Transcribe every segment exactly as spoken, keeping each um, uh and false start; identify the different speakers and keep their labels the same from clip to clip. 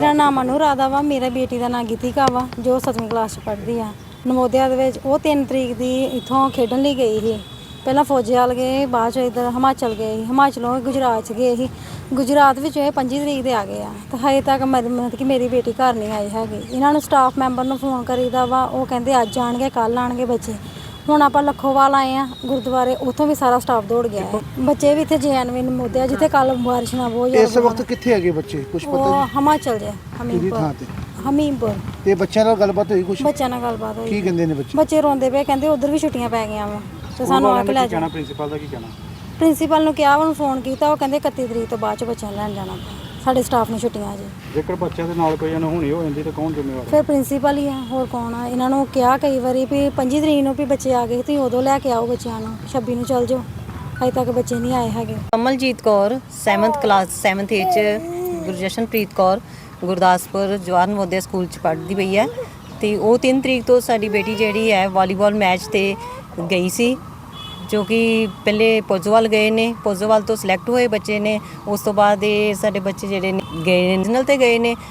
Speaker 1: मेरा नाम अनु राधा वा, मेरा बेटी का नाम गीतिका वा जो सतवीं क्लास पढ़ती है नवोदया दे विच। वो तीन तरीक की इत्थों खेडन लई गई ही। पहला फौजियाल गए, बाद इधर हिमाचल गए, हिमाचलों गुजरात गए ही। गुजरात विच पंजी तरीक दे आ गए आ ते हजे तक मतलब कि मेरी बेटी घर नहीं आई हैगी। इन्होंने स्टाफ मैंबर नूं फोन करीदा वा, वो कहंदे अज आणगे कल आणगे बच्चे। ਹੁਣ ਆਪਾਂ ਲੱਖੋਵਾਲ ਆਏ ਆ ਗੁਰਦੁਆਰੇ, ਉੱਥੋਂ ਵੀ ਸਾਰਾ ਸਟਾਫ ਦੌੜ ਗਿਆ ਹੈ। ਬੱਚੇ ਵੀ ਇੱਥੇ ਜੈਨਵੀ ਨਮੋਦਿਆ ਜਿੱਥੇ ਕੱਲ ਬਾਰਿਸ਼ ਨਾਲ ਬਹੁਤ ਜ਼ਿਆਦਾ।
Speaker 2: ਇਸ ਵਕਤ ਕਿੱਥੇ ਹੈਗੇ ਬੱਚੇ ਕੁਝ ਪਤਾ
Speaker 1: ਨਹੀਂ? ਹਿਮਾਚਲ ਦੇ ਹਮੀਰਪੁਰ ਹਮੀਰਪੁਰ।
Speaker 2: ਤੇ ਬੱਚਿਆਂ ਨਾਲ ਗੱਲਬਾਤ ਹੋਈ ਕੁਝ?
Speaker 1: ਬੱਚਿਆਂ ਨਾਲ ਗੱਲਬਾਤ ਹੋਈ।
Speaker 2: ਕੀ ਕਹਿੰਦੇ ਨੇ ਬੱਚੇ?
Speaker 1: ਬੱਚੇ ਰੋਂਦੇ ਪਏ, ਕਹਿੰਦੇ ਉਧਰ ਵੀ ਛੁੱਟੀਆਂ ਪੈ ਗਈਆਂ ਵਾ ਤੇ ਸਾਨੂੰ ਆ ਕੇ ਲੈ ਜਾਣਾ।
Speaker 3: ਪ੍ਰਿੰਸੀਪਲ ਦਾ ਕੀ ਕਹਿਣਾ?
Speaker 1: ਪ੍ਰਿੰਸੀਪਲ ਨੂੰ ਕਿਹਾ, ਉਹਨੂੰ ਫੋਨ ਕੀਤਾ, ਉਹ ਕਹਿੰਦੇ ਇਕੱਤੀ ਤਰੀਕ ਤੋਂ ਬਾਅਦ ਚ ਬੱਚਿਆਂ ਨੂੰ ਲੈਣ ਜਾਣਾ। ਸਾਡੇ ਸਟਾਫ ਨੂੰ ਛੁੱਟੀਆਂ ਜੀ।
Speaker 3: ਜੇਕਰ ਬੱਚਿਆਂ ਦੇ ਨਾਲ ਕੋਈ ਅਣਹੋਣੀ ਹੋ ਜਾਂਦੀ ਤਾਂ ਕੌਣ ਜ਼ਿੰਮੇਵਾਰ?
Speaker 1: ਫਿਰ ਪ੍ਰਿੰਸੀਪਲ ਹੀ ਆ, ਹੋਰ ਕੌਣ ਆ। ਇਹਨਾਂ ਨੂੰ ਕਿਹਾ ਕਈ ਵਾਰੀ ਵੀ ਪੰਜੀ ਤਰੀਕ ਨੂੰ ਵੀ ਬੱਚੇ ਆ ਗਏ, ਤੁਸੀਂ ਉਦੋਂ ਲੈ ਕੇ ਆਓ ਬੱਚਿਆਂ ਨੂੰ, ਛੱਬੀ ਨੂੰ ਚੱਲ ਜਾਓ। ਅਜੇ ਤੱਕ ਬੱਚੇ ਨਹੀਂ ਆਏ ਹੈਗੇ।
Speaker 4: Kamaljeet Kaur seventh class seventh A 'ਚ, ਗੁਰਜਸ਼ਨਪ੍ਰੀਤ ਕੌਰ ਗੁਰਦਾਸਪੁਰ ਜਵਾਹਰ ਨਵੋਦਿਆ ਸਕੂਲ 'ਚ ਪੜ੍ਹਦੀ ਪਈ ਹੈ। ਅਤੇ ਉਹ ਤਿੰਨ ਤਰੀਕ ਤੋਂ ਸਾਡੀ ਬੇਟੀ ਜਿਹੜੀ ਹੈ ਵਾਲੀਬਾਲ ਮੈਚ 'ਤੇ ਗਈ ਸੀ, ਜੋ ਕਿ ਪਹਿਲੇ ਪੋਜੋਵਾਲ ਗਏ ਨੇ। ਪੋਜੋਵਾਲ ਤੋਂ ਸਿਲੈਕਟ ਹੋਏ ਬੱਚੇ ਨੇ। ਉਸ ਤੋਂ ਬਾਅਦ ਇਹ ਸਾਡੇ ਬੱਚੇ ਜਿਹੜੇ ਨੇ ਗਏ ਨੇ ਨੈਸ਼ਨਲ 'ਤੇ ਗਏ ਨੇ,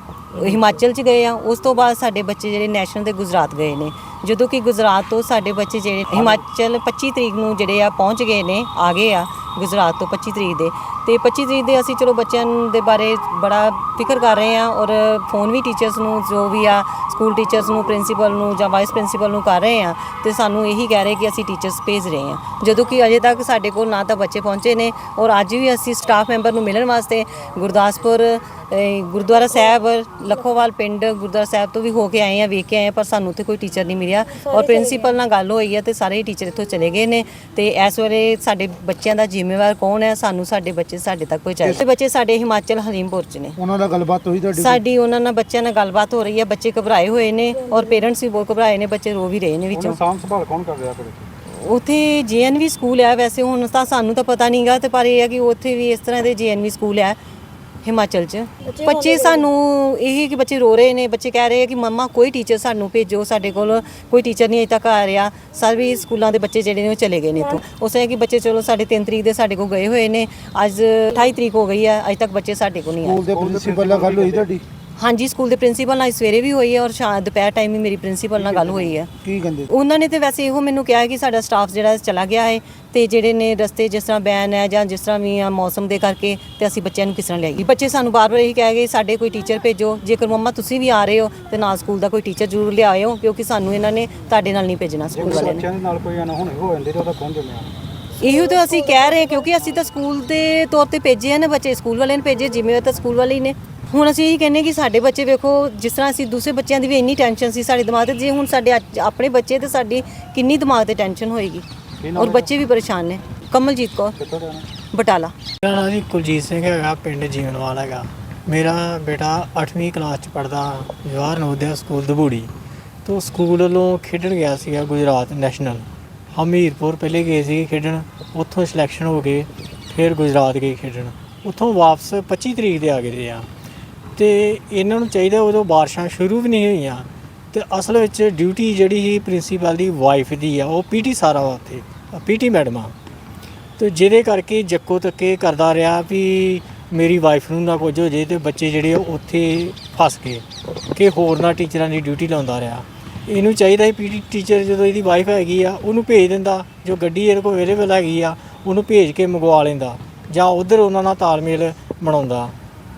Speaker 4: ਹਿਮਾਚਲ 'ਚ ਗਏ ਆ। ਉਸ ਤੋਂ ਬਾਅਦ ਸਾਡੇ ਬੱਚੇ ਜਿਹੜੇ ਨੈਸ਼ਨਲ 'ਤੇ ਗੁਜਰਾਤ ਗਏ ਨੇ। ਜਦੋਂ ਕਿ ਗੁਜਰਾਤ ਤੋਂ ਸਾਡੇ ਬੱਚੇ ਜਿਹੜੇ ਹਿਮਾਚਲ ਪੱਚੀ ਤਰੀਕ ਨੂੰ ਜਿਹੜੇ ਆ ਪਹੁੰਚ ਗਏ ਨੇ, ਆ ਗਏ ਆ ਗੁਜਰਾਤ ਤੋਂ ਪੱਚੀ ਤਰੀਕ ਦੇ। ਅਤੇ ਪੱਚੀ ਤਰੀਕ ਦੇ ਅਸੀਂ ਚਲੋ ਬੱਚਿਆਂ ਦੇ ਬਾਰੇ ਬੜਾ ਫਿਕਰ ਕਰ ਰਹੇ ਹਾਂ, ਔਰ ਫੋਨ ਵੀ ਟੀਚਰਸ ਨੂੰ ਜੋ ਵੀ ਆ ਸਕੂਲ ਟੀਚਰਸ ਨੂੰ, ਪ੍ਰਿੰਸੀਪਲ ਨੂੰ ਜਾਂ ਵਾਈਸ ਪ੍ਰਿੰਸੀਪਲ ਨੂੰ ਕਰ ਰਹੇ ਹਾਂ, ਅਤੇ ਸਾਨੂੰ ਇਹੀ ਕਹਿ ਰਹੇ ਕਿ ਅਸੀਂ ਟੀਚਰਸ ਭੇਜ ਰਹੇ ਹਾਂ। ਜਦੋਂ ਕਿ ਅਜੇ ਤੱਕ ਸਾਡੇ ਕੋਲ ਨਾ ਤਾਂ ਬੱਚੇ ਪਹੁੰਚੇ ਨੇ, ਔਰ ਅੱਜ ਵੀ ਅਸੀਂ ਸਟਾਫ ਮੈਂਬਰ ਨੂੰ ਮਿਲਣ ਵਾਸਤੇ ਗੁਰਦਾਸਪੁਰ ਗੁਰਦੁਆਰਾ ਸਾਹਿਬ, ਲੱਖੋਵਾਲ ਪਿੰਡ ਗੁਰਦੁਆਰਾ ਸਾਹਿਬ ਤੋਂ ਵੀ ਹੋ ਕੇ ਆਏ ਹਾਂ, ਵੇਖ ਕੇ ਆਏ, ਪਰ ਸਾਨੂੰ ਉੱਥੇ ਕੋਈ ਟੀਚਰ ਨਹੀਂ ਮਿਲਿਆ। ਔਰ ਪ੍ਰਿੰਸੀਪਲ ਨਾਲ ਗੱਲ ਹੋਈ ਹੈ ਅਤੇ ਸਾਰੇ ਟੀਚਰ ਇੱਥੋਂ ਚਲੇ ਗਏ ਨੇ। ਅਤੇ ਇਸ ਵੇਲੇ ਸਾਡੇ ਬੱਚਿਆਂ ਦਾ ਜ਼ਿੰਮੇਵਾਰ ਕੌਣ ਹੈ? ਸਾਨੂੰ ਸਾਡੇ ਬੱਚੇ ਸਾਡੇ ਤੱਕ ਪਹੁੰਚਾਏ। ਬੱਚੇ ਸਾਡੇ ਹਿਮਾਚਲ ਹਰੀਮਪੁਰ 'ਚ ਨੇ।
Speaker 2: ਉਹਨਾਂ ਨਾਲ ਗੱਲਬਾਤ ਹੋਈ ਤੁਹਾਡੀ?
Speaker 4: ਸਾਡੀ ਉਹਨਾਂ ਨਾਲ ਬੱਚਿਆਂ ਨਾਲ ਗੱਲਬਾਤ ਹੋ ਰਹੀ ਹੈ। ਬੱਚੇ ਘਬਰਾਏ ਹੋਏ ਨੇ, ਔਰ ਪੇਰੈਂਟਸ ਵੀ ਬਹੁਤ ਘਬਰਾਏ ਨੇ, ਬੱਚੇ ਰੋ ਵੀ ਰਹੇ ਨੇ ਵਿੱਚੋਂ।
Speaker 3: ਸਾਂਭ ਸੰਭਾਲ ਕੌਣ ਕਰ ਰਿਹਾ ਫਿਰ?
Speaker 4: ਉੱਥੇ ਜੇ ਐਨ ਵੀ ਸਕੂਲ ਹੈ, ਵੈਸੇ ਹੁਣ ਤਾਂ ਸਾਨੂੰ ਤਾਂ ਪਤਾ ਨਹੀਂ ਗਾ, ਅਤੇ ਪਰ ਇਹ ਹੈ ਕਿ ਉੱਥੇ ਵੀ ਇਸ ਤਰ੍ਹਾਂ ਦੇ ਜੇ ਐਨ ਵੀ ਸਕੂਲ ਹੈ ਹਿਮਾਚਲ 'ਚ। ਬੱਚੇ ਸਾਨੂੰ ਇਹ ਕਿ ਬੱਚੇ ਰੋ ਰਹੇ ਨੇ, ਬੱਚੇ ਕਹਿ ਰਹੇ ਆ ਕਿ ਮੰਮਾ ਕੋਈ ਟੀਚਰ ਸਾਨੂੰ ਭੇਜੋ, ਸਾਡੇ ਕੋਲ ਕੋਈ ਟੀਚਰ ਨਹੀਂ ਅਜੇ ਤੱਕ ਆ ਰਿਹਾ। ਸਾਰੇ ਸਕੂਲਾਂ ਦੇ ਬੱਚੇ ਜਿਹੜੇ ਨੇ ਉਹ ਚਲੇ ਗਏ ਨੇ ਇੱਥੋਂ। ਉਸ ਤਰ੍ਹਾਂ ਕਿ ਬੱਚੇ ਚਲੋ ਸਾਡੇ ਤਿੰਨ ਤਰੀਕ ਦੇ ਸਾਡੇ ਕੋਲ ਗਏ ਹੋਏ ਨੇ, ਅੱਜ ਅਠਾਈ ਤਰੀਕ ਹੋ ਗਈ ਹੈ, ਅਜੇ ਤੱਕ ਬੱਚੇ ਸਾਡੇ ਕੋਲ ਨਹੀਂ ਆਏ।
Speaker 2: ਸਕੂਲ ਦੇ ਪ੍ਰਿੰਸੀਪਲ ਨਾਲ ਗੱਲ ਹੋਈ ਤੁਹਾਡੀ?
Speaker 4: ਹਾਂਜੀ, ਸਕੂਲ ਦੇ ਪ੍ਰਿੰਸੀਪਲ ਨਾਲ ਸਵੇਰੇ ਵੀ ਹੋਈ ਹੈ, ਔਰ ਸ਼ਾਮ ਦੁਪਹਿਰ ਟਾਈਮ ਵੀ ਮੇਰੀ ਪ੍ਰਿੰਸੀਪਲ ਨਾਲ ਗੱਲ ਹੋਈ ਹੈ।
Speaker 2: ਕੀ ਕਹਿੰਦੇ?
Speaker 4: ਉਹਨਾਂ ਨੇ ਤਾਂ ਵੈਸੇ ਇਹੋ ਮੈਨੂੰ ਕਿਹਾ ਹੈ ਕਿ ਸਾਡਾ ਸਟਾਫ ਜਿਹੜਾ ਚਲਾ ਗਿਆ ਹੈ, ਅਤੇ ਜਿਹੜੇ ਨੇ ਰਸਤੇ ਜਿਸ ਤਰ੍ਹਾਂ ਬੈਨ ਹੈ ਜਾਂ ਜਿਸ ਤਰ੍ਹਾਂ ਵੀ ਆ ਮੌਸਮ ਦੇ ਕਰਕੇ, ਅਤੇ ਅਸੀਂ ਬੱਚਿਆਂ ਨੂੰ ਕਿਸ ਤਰ੍ਹਾਂ ਲਿਆਈਏ। ਬੱਚੇ ਸਾਨੂੰ ਬਾਰ ਬਾਰ ਇਹੀ ਕਹਿ ਗਏ ਸਾਡੇ ਕੋਈ ਟੀਚਰ ਭੇਜੋ, ਜੇਕਰ ਮੰਮਾ ਤੁਸੀਂ ਵੀ ਆ ਰਹੇ ਹੋ ਅਤੇ ਨਾਲ ਸਕੂਲ ਦਾ ਕੋਈ ਟੀਚਰ ਜ਼ਰੂਰ ਲਿਆਇਓ, ਕਿਉਂਕਿ ਸਾਨੂੰ ਇਹਨਾਂ ਨੇ ਤੁਹਾਡੇ ਨਾਲ ਨਹੀਂ ਭੇਜਣਾ ਸਕੂਲ ਵਾਲਿਆਂ ਨੇ।
Speaker 3: ਬੱਚਿਆਂ ਦੇ ਨਾਲ ਕੋਈ ਅਣਹੋਣੀ ਹੋ ਜਾਂਦੀ ਤਾਂ ਉਹਦਾ ਕੌਣ ਜ਼ਿੰਮੇਵਾਰ?
Speaker 4: ਇਹੋ ਤਾਂ ਅਸੀਂ ਕਹਿ ਰਹੇ, ਕਿਉਂਕਿ ਅਸੀਂ ਤਾਂ ਸਕੂਲ ਦੇ ਤੌਰ 'ਤੇ ਭੇਜੇ ਹਨ ਬੱਚੇ, ਸਕੂਲ ਵਾਲਿਆਂ ਨੇ ਭੇਜੇ, ਜ਼ਿੰਮੇਵਾਰ ਤਾਂ ਸਕੂਲ ਵਾਲੇ ਹੀ ਨੇ। ਹੁਣ ਅਸੀਂ ਇਹੀ ਕਹਿੰਦੇ ਕਿ ਸਾਡੇ ਬੱਚੇ ਵੇਖੋ, ਜਿਸ ਤਰ੍ਹਾਂ ਅਸੀਂ ਦੂਸਰੇ ਬੱਚਿਆਂ ਦੀ ਵੀ ਇੰਨੀ ਟੈਨਸ਼ਨ ਸੀ ਸਾਡੇ ਦਿਮਾਗ 'ਤੇ, ਜੇ ਹੁਣ ਸਾਡੇ ਆਪਣੇ ਬੱਚੇ ਤੇ ਸਾਡੀ ਕਿੰਨੀ ਦਿਮਾਗ 'ਤੇ ਟੈਨਸ਼ਨ ਹੋਏਗੀ, ਔਰ ਬੱਚੇ ਵੀ ਪਰੇਸ਼ਾਨ ਨੇ। ਕਮਲਜੀਤ ਕੌਰ ਬਟਾਲਾ।
Speaker 5: ਮੇਰਾ ਨਾਮ ਜੀ ਕੁਲਜੀਤ ਸਿੰਘ ਹੈਗਾ, ਪਿੰਡ ਜੀਵਨਵਾਲ ਹੈਗਾ। ਮੇਰਾ ਬੇਟਾ ਅੱਠਵੀਂ ਕਲਾਸ 'ਚ ਪੜ੍ਹਦਾ ਜਵਾਹਰ ਨਵੋਦਿਆ ਸਕੂਲ ਦਬੂੜੀ ਤੋਂ। ਸਕੂਲ ਵੱਲੋਂ ਖੇਡਣ ਗਿਆ ਸੀਗਾ ਗੁਜਰਾਤ ਨੈਸ਼ਨਲ, ਹਮੀਰਪੁਰ ਪਹਿਲੇ ਗਏ ਸੀ ਖੇਡਣ, ਉੱਥੋਂ ਸਿਲੈਕਸ਼ਨ ਹੋ ਕੇ ਫਿਰ ਗੁਜਰਾਤ ਗਏ ਖੇਡਣ, ਉੱਥੋਂ ਵਾਪਸ ਪੱਚੀ ਤਰੀਕ ਦੇ ਆ ਗਏ ਆ। ਅਤੇ ਇਹਨਾਂ ਨੂੰ ਚਾਹੀਦਾ, ਉਦੋਂ ਬਾਰਿਸ਼ਾਂ ਸ਼ੁਰੂ ਵੀ ਨਹੀਂ ਹੋਈਆਂ, ਅਤੇ ਅਸਲ ਵਿੱਚ ਡਿਊਟੀ ਜਿਹੜੀ ਸੀ ਪ੍ਰਿੰਸੀਪਲ ਦੀ ਵਾਈਫ ਦੀ ਆ, ਉਹ ਪੀ ਟੀ ਸਾਰਾ ਵਾ ਉੱਥੇ, ਪੀ ਟੀ ਮੈਡਮ ਆ। ਅਤੇ ਜਿਹਦੇ ਕਰਕੇ ਜੱਕੋ ਤੱਕੇ ਕਰਦਾ ਰਿਹਾ ਵੀ ਮੇਰੀ ਵਾਈਫ ਨੂੰ ਨਾ ਕੁਝ ਹੋ ਜੇ, ਅਤੇ ਬੱਚੇ ਜਿਹੜੇ ਉੱਥੇ ਫਸ ਗਏ ਕਿ ਹੋਰ ਨਾ ਟੀਚਰਾਂ ਦੀ ਡਿਊਟੀ ਲਾਉਂਦਾ ਰਿਹਾ। ਇਹਨੂੰ ਚਾਹੀਦਾ ਸੀ ਪੀ ਟੀ ਟੀਚਰ ਜਦੋਂ ਇਹਦੀ ਵਾਈਫ ਹੈਗੀ ਆ ਉਹਨੂੰ ਭੇਜ ਦਿੰਦਾ, ਜੋ ਗੱਡੀ ਇਹਦੇ ਕੋਲ ਅਵੇਲੇਬਲ ਹੈਗੀ ਆ ਉਹਨੂੰ ਭੇਜ ਕੇ ਮੰਗਵਾ ਲੈਂਦਾ, ਜਾਂ ਉੱਧਰ ਉਹਨਾਂ ਨਾਲ ਤਾਲਮੇਲ ਬਣਾਉਂਦਾ।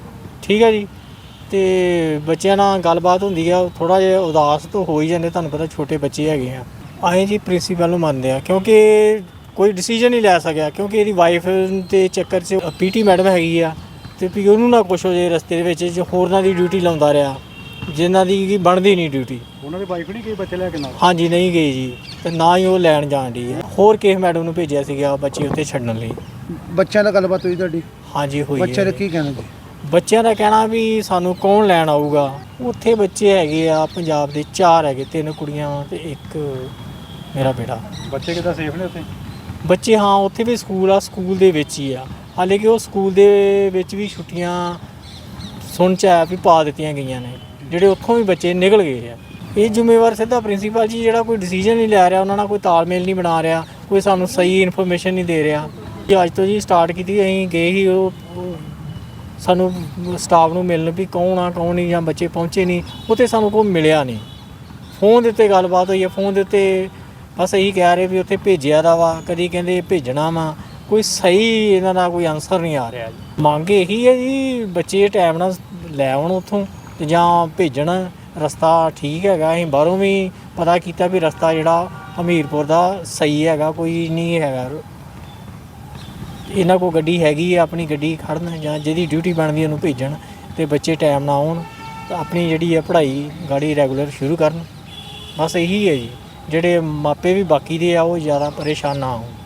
Speaker 5: ਠੀਕ ਹੈ ਜੀ। ਅਤੇ ਬੱਚਿਆਂ ਨਾਲ ਗੱਲਬਾਤ ਹੁੰਦੀ ਆ, ਥੋੜ੍ਹਾ ਜਿਹਾ ਉਦਾਸ ਤਾਂ ਹੋ ਹੀ ਜਾਂਦੇ, ਤੁਹਾਨੂੰ ਪਤਾ ਛੋਟੇ ਬੱਚੇ ਹੈਗੇ ਆ। ਅਸੀਂ ਜੀ ਪ੍ਰਿੰਸੀਪਲ ਨੂੰ ਮੰਨਦੇ ਆ, ਕਿਉਂਕਿ ਕੋਈ ਡਿਸੀਜਨ ਨਹੀਂ ਲੈ ਸਕਿਆ, ਕਿਉਂਕਿ ਇਹਦੀ ਵਾਈਫ ਦੇ ਚੱਕਰ 'ਚ ਪੀ ਟੀ ਮੈਡਮ ਹੈਗੀ ਆ, ਅਤੇ ਵੀ ਉਹਨੂੰ ਨਾ ਕੁਛ ਹੋ ਜੇ ਰਸਤੇ ਦੇ ਵਿੱਚ, ਜੋ ਹੋਰਨਾਂ ਦੀ ਡਿਊਟੀ ਲਾਉਂਦਾ ਰਿਹਾ, ਜਿਨ੍ਹਾਂ ਦੀ ਕੀ ਬਣਦੀ ਨਹੀਂ ਡਿਊਟੀ।
Speaker 3: ਉਹਨਾਂ ਦੀ ਵਾਈਫ ਨਹੀਂ ਗਈ ਬੱਚੇ ਲੈ ਕੇ ਨਾਲ?
Speaker 5: ਹਾਂਜੀ, ਨਹੀਂ ਗਈ ਜੀ, ਅਤੇ ਨਾ ਹੀ ਉਹ ਲੈਣ ਜਾਣ ਦੀ ਹੈ। ਹੋਰ ਕਿਸੇ ਮੈਡਮ ਨੂੰ ਭੇਜਿਆ ਸੀਗਾ ਬੱਚੇ ਉੱਥੇ ਛੱਡਣ ਲਈ।
Speaker 2: ਬੱਚਿਆਂ ਨਾਲ ਗੱਲਬਾਤ ਹੋਈ ਤੁਹਾਡੀ?
Speaker 5: ਹਾਂਜੀ ਹੋਈ।
Speaker 2: ਬੱਚਿਆਂ ਦਾ ਕੀ ਕਹਿਣਾ ਜੀ?
Speaker 5: ਬੱਚਿਆਂ ਦਾ ਕਹਿਣਾ ਵੀ ਸਾਨੂੰ ਕੌਣ ਲੈਣ ਆਊਗਾ। ਉੱਥੇ ਬੱਚੇ ਹੈਗੇ ਆ ਪੰਜਾਬ ਦੇ, ਚਾਰ ਹੈਗੇ, ਤਿੰਨ ਕੁੜੀਆਂ ਅਤੇ ਇੱਕ ਮੇਰਾ ਬੇਟਾ।
Speaker 3: ਬੱਚੇ ਕਿੱਦਾਂ ਸੇਫ ਨੇ ਉੱਥੇ?
Speaker 5: ਬੱਚੇ ਹਾਂ, ਉੱਥੇ ਵੀ ਸਕੂਲ ਆ, ਸਕੂਲ ਦੇ ਵਿੱਚ ਹੀ ਆ। ਹਾਲੇ ਕਿ ਉਹ ਸਕੂਲ ਦੇ ਵਿੱਚ ਵੀ ਛੁੱਟੀਆਂ ਸੁਣ 'ਚ ਆਇਆ ਵੀ ਪਾ ਦਿੱਤੀਆਂ ਗਈਆਂ ਨੇ, ਜਿਹੜੇ ਉੱਥੋਂ ਵੀ ਬੱਚੇ ਨਿਕਲ ਗਏ ਆ। ਇਹ ਜ਼ਿੰਮੇਵਾਰ ਸਿੱਧਾ ਪ੍ਰਿੰਸੀਪਲ ਜੀ, ਜਿਹੜਾ ਕੋਈ ਡਿਸੀਜਨ ਨਹੀਂ ਲੈ ਰਿਹਾ, ਉਹਨਾਂ ਨਾਲ ਕੋਈ ਤਾਲਮੇਲ ਨਹੀਂ ਬਣਾ ਰਿਹਾ, ਕੋਈ ਸਾਨੂੰ ਸਹੀ ਇਨਫੋਰਮੇਸ਼ਨ ਨਹੀਂ ਦੇ ਰਿਹਾ। ਅੱਜ ਤੋਂ ਜੀ ਸਟਾਰਟ ਕੀਤੀ, ਅਸੀਂ ਗਏ ਸੀ ਉਹ ਸਾਨੂੰ ਸਟਾਫ ਨੂੰ ਮਿਲਣ ਵੀ ਕੌਣ ਆ ਕੌਣ ਨਹੀਂ, ਜਾਂ ਬੱਚੇ ਪਹੁੰਚੇ ਨਹੀਂ, ਉੱਥੇ ਸਾਨੂੰ ਕੋਈ ਮਿਲਿਆ ਨਹੀਂ। ਫੋਨ ਦੇ ਉੱਤੇ ਗੱਲਬਾਤ ਹੋਈ ਹੈ, ਫੋਨ ਦੇ ਉੱਤੇ ਬਸ ਇਹੀ ਕਹਿ ਰਹੇ ਵੀ ਉੱਥੇ ਭੇਜਿਆ ਦਾ ਵਾ, ਕਦੀ ਕਹਿੰਦੇ ਭੇਜਣਾ ਵਾ, ਕੋਈ ਸਹੀ ਇਹਨਾਂ ਦਾ ਕੋਈ ਆਨਸਰ ਨਹੀਂ ਆ ਰਿਹਾ ਜੀ। ਮੰਗ ਇਹੀ ਹੈ ਜੀ ਬੱਚੇ ਟਾਈਮ ਨਾਲ ਲੈ ਆਉਣ ਉੱਥੋਂ ਤੇ ਜਾਂ ਭੇਜਣ। ਰਸਤਾ ਠੀਕ ਹੈਗਾ, ਅਸੀਂ ਬਾਹਰੋਂ ਵੀ ਪਤਾ ਕੀਤਾ ਵੀ ਰਸਤਾ ਜਿਹੜਾ ਹਮੀਰਪੁਰ ਦਾ ਸਹੀ ਹੈਗਾ, ਕੋਈ ਨਹੀਂ ਹੈਗਾ। ਇਹਨਾਂ ਕੋਲ ਗੱਡੀ ਹੈਗੀ ਆ, ਆਪਣੀ ਗੱਡੀ ਖੜਨ ਜਾਂ ਜਿਹਦੀ ਡਿਊਟੀ ਬਣਦੀ ਉਹਨੂੰ ਭੇਜਣ ਤੇ ਬੱਚੇ ਟਾਈਮ ਨਾਲ ਆਉਣ ਤਾਂ ਆਪਣੀ ਜਿਹੜੀ ਹੈ ਪੜ੍ਹਾਈ ਗਾੜੀ ਰੈਗੂਲਰ ਸ਼ੁਰੂ ਕਰਨ। ਬਸ ਇਹੀ ਹੈ ਜੀ, ਜਿਹੜੇ ਮਾਪੇ ਵੀ ਬਾਕੀ ਦੇ ਆ ਉਹ ਜ਼ਿਆਦਾ ਪਰੇਸ਼ਾਨ ਨਾ ਹੋਣ।